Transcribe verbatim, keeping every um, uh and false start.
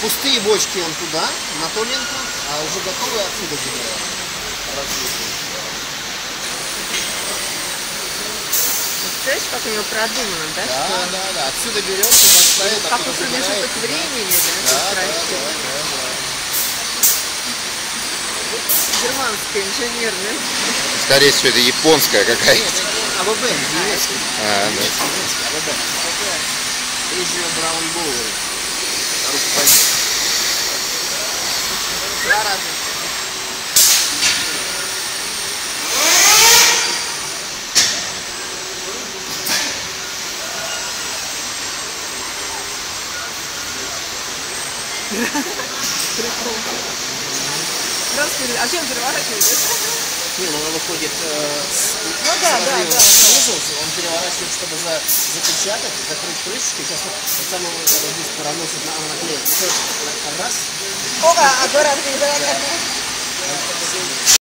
пустые бочки он туда, на ту ленту, а уже готовые отсюда забирают. Представляешь, как у него продумано, да? Да, что... да, да. Отсюда берется, поставит, как у промежуток времени, да? Да, да, да, да, да. Германская, инженерная. Скорее всего, это японская какая-то. АВБ, немецкий. А, да. Немецкий, АВБ. Эйзио Браун Боуэр. Руководитель. Два раза. Здравствуйте. А чем переворачиваете? Не, ну он выходит э, с, ну, да, да, да, снизу, он переворачивает, чтобы за, запечатать, закрыть крышечкой. Сейчас вот сам его здесь проносит на наклеек. Раз. Опа, аккуратно, да,